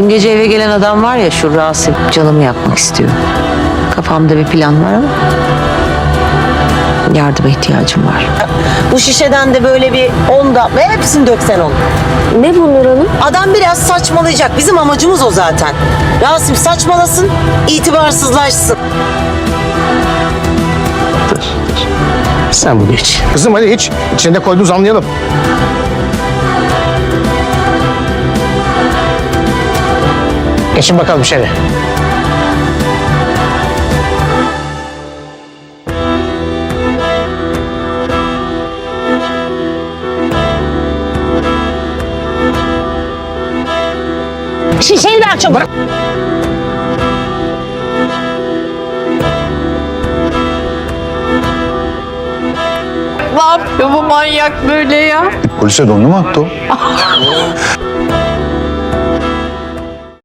Dün gece eve gelen adam var ya, şu Rasim, canımı yakmak istiyor. Kafamda bir plan var ama yardıma ihtiyacım var. Bu şişeden de böyle bir 10 damla, hepsini döksen onu. Ne bu Nur Hanım? Adam biraz saçmalayacak. Bizim amacımız o zaten. Rasim saçmalasın, itibarsızlaşsın. Sen bunu iç. Kızım hadi iç. İçinde koyduğunuz anlayalım. Geçin bakalım içeri. Şişeyi ver çabuk. Ne yapıyor bu manyak böyle ya? Polise dondu mu attı o?